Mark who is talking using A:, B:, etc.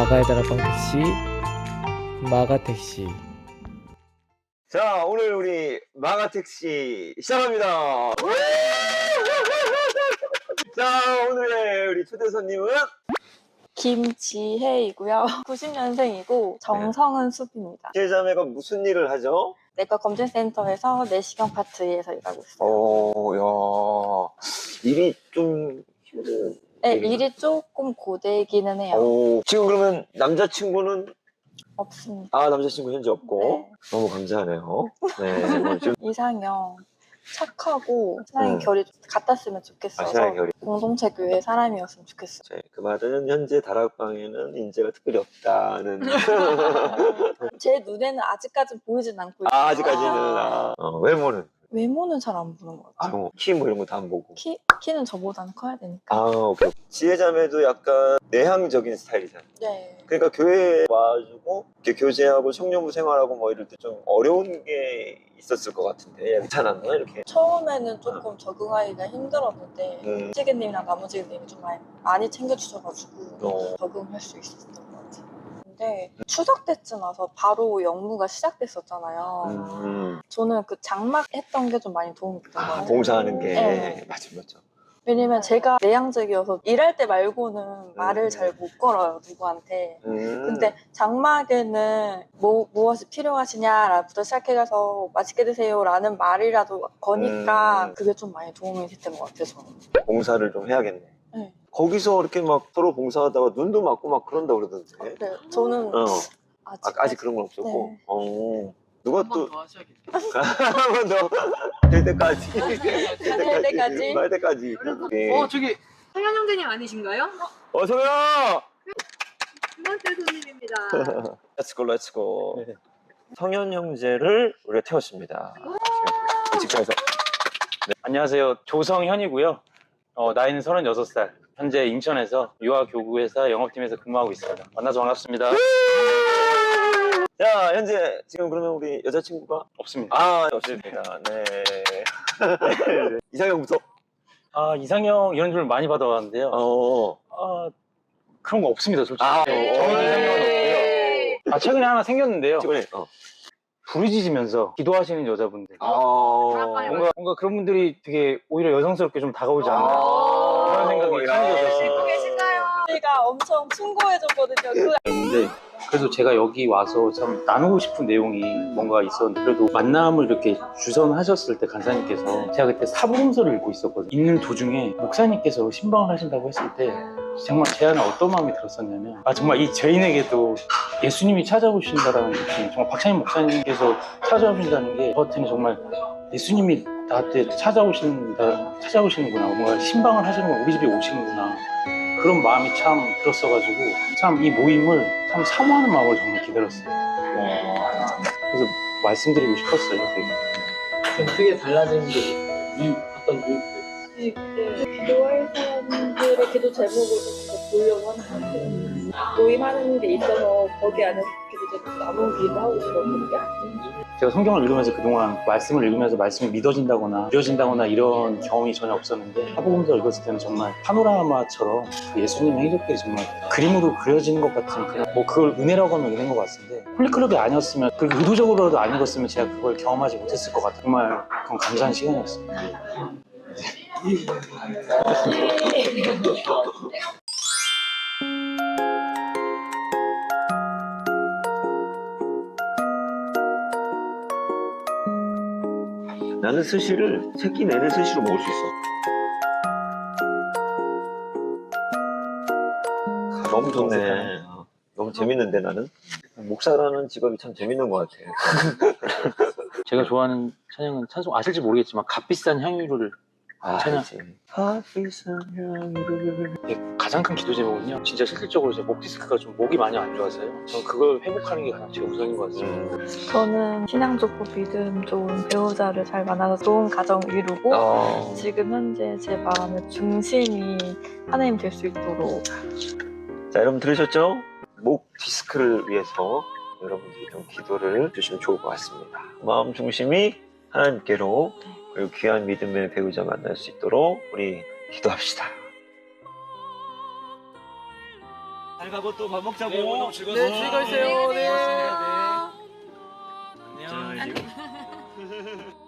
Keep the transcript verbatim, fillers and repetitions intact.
A: 마가의 다락방 택시, 마가 택시.
B: 자, 오늘 우리 마가 택시 시작합니다. 자, 오늘의 우리 초대 손님은
C: 김지혜이고요. 구십 년생이고 정성은 숲입니다.
B: 지혜자매가 무슨 일을 하죠?
C: 내과 검진센터에서 내시경 파트에서 일하고 있어요.
B: 오, 야, 일이 좀 힘든.
C: 네,
B: 일인가?
C: 일이 조금 고되기는 해요.
B: 오, 지금 그러면 남자친구는?
C: 없습니다.
B: 아, 남자친구 현재 없고.
C: 네.
B: 너무 감사하네요. 네, 뭐 지금
C: 이상형 착하고 사랑의
B: 음.
C: 결이 같았으면 좋겠어서
B: 아, 사랑의 결이.
C: 공동체 교회 사람이었으면 좋겠어요.
B: 네, 그 말은 현재 다락방에는 인재가 특별히 없다는.
C: 제 눈에는 아직까지는 보이진 않고 있어요.
B: 아, 아직까지는. 아, 어, 외모는?
C: 외모는 잘 안 보는 것 같아요.
B: 아, 키 뭐 이런 거 다 안 보고.
C: 키, 키는 저보다는 커야 되니까.
B: 아, 오케이. 지혜자매도 약간 내향적인 스타일이잖아.
C: 네.
B: 그러니까 교회에 와가지고 이렇게 교제하고 청년부 생활하고 뭐 이럴 때 좀 어려운 게 있었을 것 같은데 괜찮았나 이렇게?
C: 처음에는 조금 적응하기가 힘들었는데
B: 음.
C: 찌개님이랑 나머지님이 좀 많이, 많이 챙겨주셔가지고
B: 어.
C: 적응할 수 있었던 것 같아요. 근데 추석 때쯤 와서 바로 영무가 시작됐었잖아요.
B: 음.
C: 저는 그 장막 했던 게 좀 많이 도움이 됐던 것
B: 아,
C: 같아요.
B: 봉사하는 게
C: 네.
B: 맞아 맞아.
C: 왜냐면 제가 내향적이어서 일할 때 말고는 말을
B: 음.
C: 잘 못 걸어요, 누구한테.
B: 음.
C: 근데 장막에는 뭐, 무엇이 필요하시냐부터 시작해서 맛있게 드세요 라는 말이라도 거니까
B: 음.
C: 그게 좀 많이 도움이 됐던 것 같아요, 저는.
B: 봉사를 좀 해야겠네.
C: 네.
B: 거기서 이렇게 막 서로 봉사하다가 눈도 맞고 막 그런다 그러던데.
C: 네, 저는
B: 어.
C: 아직,
B: 아, 아직 그런 건 없었고.
C: 네.
B: 어. 누가
D: 한
B: 또
D: 번 더 하셔야겠다.
B: 한 번 더 될 때까지
C: 될 때까지?
B: 말 때까지. 네.
D: 어 저기 성현 형제님 아니신가요?
B: 어서 오요.
D: 두 번째 손님입니다.
B: 렛츠고 렛츠고. 성현 형제를 우리가 태웠습니다. 지금 직장에서.
E: 안녕하세요. 조성현이고요. 어, 나이는 서른여섯 살. 현재 인천에서 유아교구회사 영업팀에서 근무하고 있습니다. 만나서 반갑습니다.
B: 자, 현재 지금 그러면 우리 여자친구가
E: 없습니다.
B: 아, 없습니다. 네. 이상형부터.
E: 아, 이상형 이런 줄 많이 받아왔는데요.
B: 어.
E: 아, 그런 거 없습니다, 솔직히.
B: 아,
E: 네, 저는 이상형은 없고요. 아, 최근에 하나 생겼는데요.
B: 최근에. 어.
E: 부르짖으면서 기도하시는 여자분들.
B: 아.
E: 뭔가, 뭔가 그런 분들이 되게 오히려 여성스럽게 좀 다가오지 않나.
B: 아.
E: 그런 생각이
B: 야.
E: 참게 됐습니다.
C: 계신가요? 제가 엄청 충고해줬거든요. 그
E: 근데 그래도 제가 여기 와서 참 나누고 싶은 내용이 뭔가 있었는데 그래도 만남을 이렇게 주선하셨을 때 간사님께서 제가 그때 사복음서를 읽고 있었거든요. 읽는 도중에 목사님께서 신방을 하신다고 했을 때 정말 제 안에 어떤 마음이 들었었냐면 아 정말 이 죄인에게도 예수님이 찾아오신다라는 느낌, 정말 박찬임 목사님께서 찾아오신다는 게 저한테는 정말 예수님이 나한테 찾아오신다, 찾아오시는구나, 뭔가 신방을 하시는구나, 우리 집에 오시는구나, 그런 마음이 참 들었어가지고 참 이 모임을 참 사모하는 마음으로 정말 기다렸어요. 그래서 말씀드리고 싶었어요. 되게.
A: 좀 크게 달라진 게 이 어떤 이
C: 기도할 사람들의 기도 제목을 좀 보려고 하는 것 같아요. 모임하는 데 있어서 거기 안에서 기도 제목 나누는 기도하고 싶었거든요.
E: 제가 성경을 읽으면서 그동안 말씀을 읽으면서 말씀이 믿어진다거나 느려진다거나 이런 경험이 전혀 없었는데 사복음서 읽었을 때는 정말 파노라마처럼 그 예수님의 행적들이 정말 그림으로 그려지는 것 같은 그런 뭐 그걸 은혜라고 하면 은혜인 것 같은데 홀리클럽이 아니었으면 그 의도적으로라도 안 읽었으면 제가 그걸 경험하지 못했을 것 같아요. 정말 그건 감사한 시간이었어요.
B: 나는 스시를 새끼 내내 스시로 먹을 수 있어. 아, 너무 좋네. 너무 재밌는데 나는 목사라는 직업이 참 재밌는 것 같아.
E: 제가 좋아하는 찬양은 찬송 아실지 모르겠지만 값비싼 향유를
B: 아,
E: 찬양.
B: 값비싼 향유를.
E: 이게 가장 큰 기도 제목은요, 진짜 실질적으로 제 목 디스크가 좀 목이 많이 안 좋아서요. 저는 그걸 회복하는 게 가장 제일 우선인 것 같습니다.
B: 음.
C: 저는 신앙 좋고 믿음 좋은 배우자를 잘 만나서 좋은 가정 이루고
B: 어.
C: 지금 현재 제 마음의 중심이 하나님 될 수 있도록.
B: 자, 여러분 들으셨죠? 목 디스크를 위해서 여러분들이 좀 기도를 주시면 좋을 것 같습니다. 마음 중심이 하나님께로, 그리고 귀한 믿음의 배우자 만날 수 있도록 우리 기도합시다. 잘 가고 또 밥 먹자고.
A: 네, 오늘 즐거웠어요. 네, 즐거웠어요. 네.
B: 안녕.